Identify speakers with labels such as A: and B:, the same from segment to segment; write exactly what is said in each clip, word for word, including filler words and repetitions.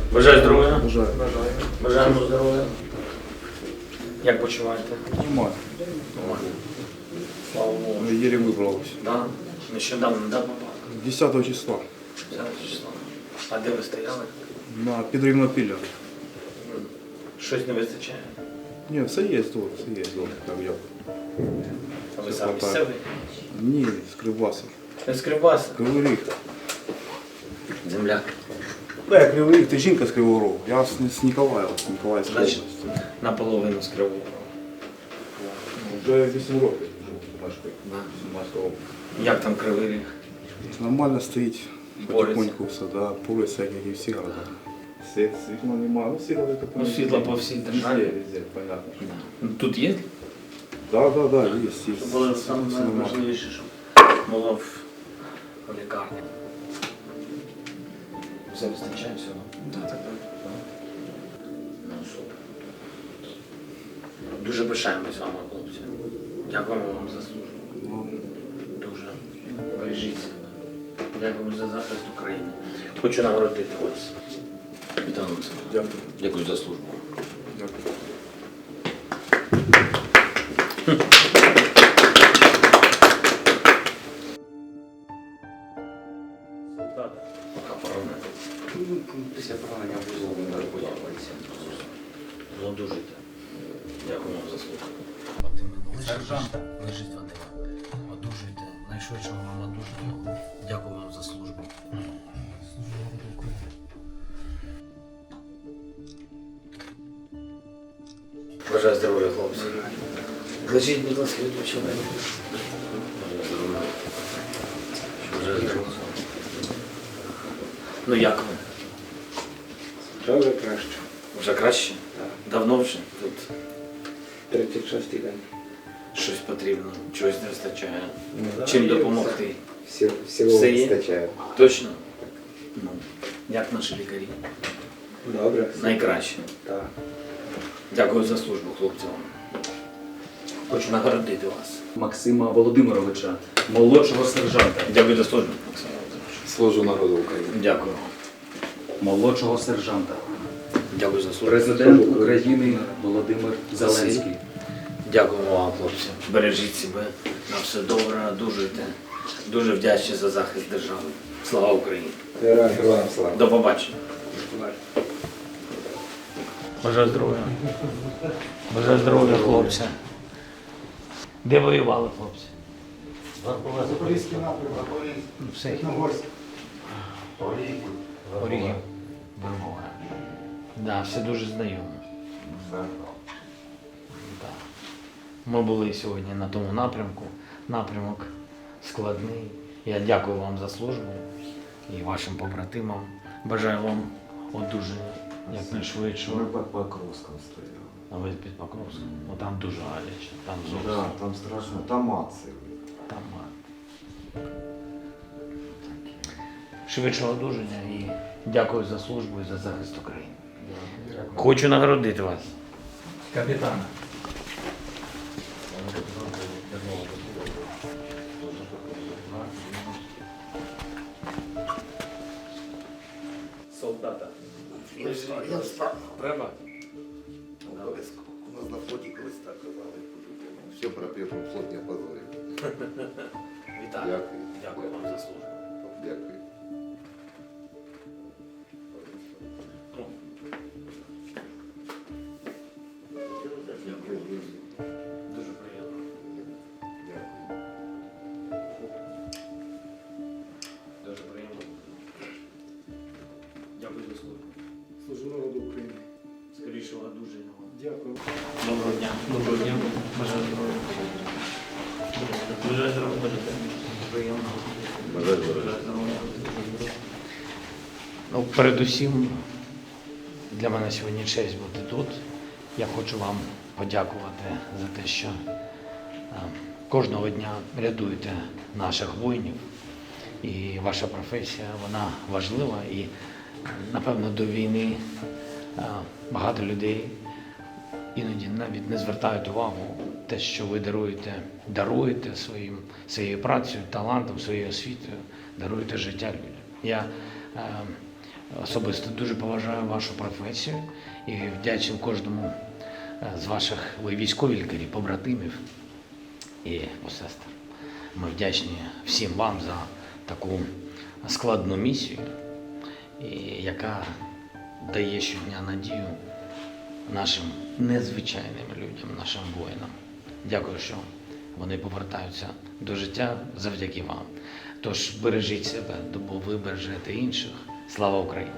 A: Бажаю здоров'я.
B: Бажаю.
A: Бажаємо здоров'я. Як почуваєте?
B: Нормально.
A: Нормально. Слава Богу.
B: Ну, еле выбралась.
A: Да? Нещодавно, да, попав?
B: десятого числа.
A: Зараз число. А де ви стояли?
B: На Підрівнопілля.
A: Щось не вистачає?
B: Ні, все є тут, все є тут, так я.
A: А ви
B: Все
A: сам
B: хватає.
A: місцевий?
B: Ні, з Кривбаса.
A: Не з Кривбаса?
B: Кривий Ріг.
A: Земляк.
B: Да, я Кривий Ріг, ти жінка з Кривого Рогу. Я з, з Ніколаєва, з Ніколаївської
A: Значить,
B: області.
A: наполовину з Кривого.
B: Вже вісім років живу в Машкові.
A: Да.
B: Сумська область.
A: Як там Кривий Ріг?
B: Нормально стоїть.
A: Бореться.
B: Потихоньку все, да. Полиця, як і всі города. Світ, світла немає, ну світла таке.
A: Ну, світла по всій державі.
B: Везде, везде, понятно.
A: Да. Ну, тут є?
B: Да, да, да, є, є.
A: Це було
B: Все нормально.
A: найважливіше, щоб було в в лікарні. Все вистачає всього? Так, так, так. Ну, супер. Дуже пишаємось вами, хлопці. Дякуємо вам за службу.
B: Ну,
A: Дуже. Бережіть себе. Дякуємо за захист України. Хочу нагородити вас. Вітаю вас.
B: Дякую.
A: Дякую за службу.
B: Дякую.
A: Пока поранений. Після поранення вузол не розбудовується. Одужуйте. Дякую вам за слуху. Сержант, лежить Вадима. Одужуйте. Найшвидше вам одужуйте. Дякую вам за службу. Бажаю здоров'я, хлопці. Лежіть, будь ласка, відпочивайте. Бажаю здоров'я. Бажаю здоров'я. Ну як ви?
C: Вже вже краще.
A: Вже краще?
C: Так.
A: Давно вже тут
C: тридцять шостий день.
A: щось потрібно, чогось не вистачає.
C: Ну,
A: Чим
C: да,
A: допомогти?
C: Всі, всього
A: Все є?
C: вистачає.
A: Точно? Ну, як наші лікарі?
C: Добре.
A: Найкраще.
C: Так.
A: Дякую за службу, хлопцям. Хочу нагородити вас.
D: Максима Володимировича, молодшого сержанта.
A: Дякую за службу, Максим Володимирович.
C: Служу народу України.
A: Дякую.
D: Молодшого сержанта.
A: Дякую за службу.
D: Президент України Володимир Зеленський.
A: Дякуємо вам, хлопці. Бережіть себе. На все добре, одужуйте. Дуже вдячні за захист держави. Слава Україні!
C: Героям героям слава.
A: До побачення. Бажаю здоров'я. Бажаю здоров'я, хлопці. Де воювали, хлопці?
E: Запорізький напрямок,
A: Все.
E: Чорногорськ.
A: Орігів. Вербова. Да, все дуже знайомо. Да. Ми були сьогодні на тому напрямку. Напрямок складний. Я дякую вам за службу і вашим побратимам. Бажаю вам одужання якнайшвидше.
F: Ми під Покровском стояли.
A: А ви під Покровськом? Ну там дуже гаряче, там зовсім.
F: Да, там страшно. Там акції.
A: Там швидше одужання і дякую за службу і за захист України. Хочу нагородити вас. Капітана. Солдата.
E: Я встав.
A: Треба?
E: Обов'язково. У нас на флоті колись так казали. Все про перший флот не опозорив.
A: Вітаю.
E: Дякую.
A: Дякую вам за службу.
E: Дякую.
A: Дуже приємно. Дуже приємно. Дякую за службу.
E: Служу народу України.
A: Скорішого одужання вам.
E: Дякую.
A: Доброго дня. Доброго дня. Бажаю здоров'я. Бажаю здоров'я. Приємно.
E: Бажаю
A: здоров'я. Ну, передусім, для мене сьогодні честь бути тут. Я хочу вам подякувати за те, що е, кожного дня рятуєте наших воїнів. І ваша професія, вона важлива. І, напевно, до війни е, багато людей іноді навіть не звертають увагу те, що ви даруєте, даруєте своїм, своєю працею, талантом, своєю освітою, даруєте життя людям. Я е, особисто дуже поважаю вашу професію і вдячний кожному е, з ваших, ви військові лікарі, побратимів і сестер. Ми вдячні всім вам за таку складну місію, і яка дає щодня надію нашим незвичайним людям, нашим воїнам. Дякую, що вони повертаються до життя завдяки вам. Тож бережіть себе, бо ви бережете інших. Слава Україні!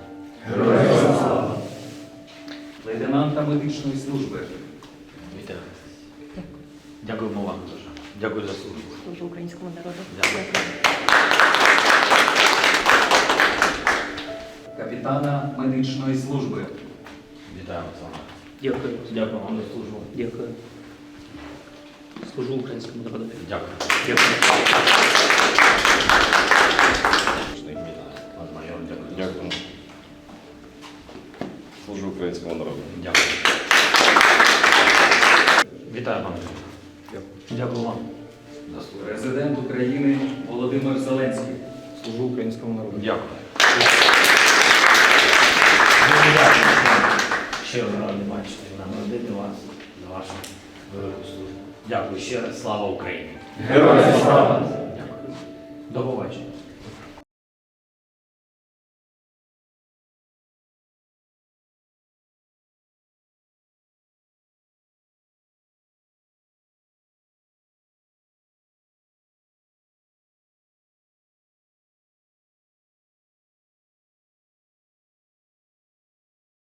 D: Лейтенанта медичної служби.
A: Вітаю. Дякуємо вам дуже. Дякую за службу.
G: Служу українському народу.
A: Дякую.
D: Капітана медичної служби.
A: Вітаю вас.
H: Дякую.
A: Дякую вам за службу.
H: Дякую. Служу українському народу.
A: Дякую.
H: Дякую.
I: Дякую. Служу українському народу.
A: Дякую. Вітаю пане. Дякую вам за службу.
D: Президент України Володимир Зеленський.
B: Служу українському народу.
A: Дякую. Дуже дякую. Щиро радий бачити і нагородити вас за вашу велику службу. Дякую ще раз. Слава Україні!
I: Героям слава!
A: Дякую. До побачення.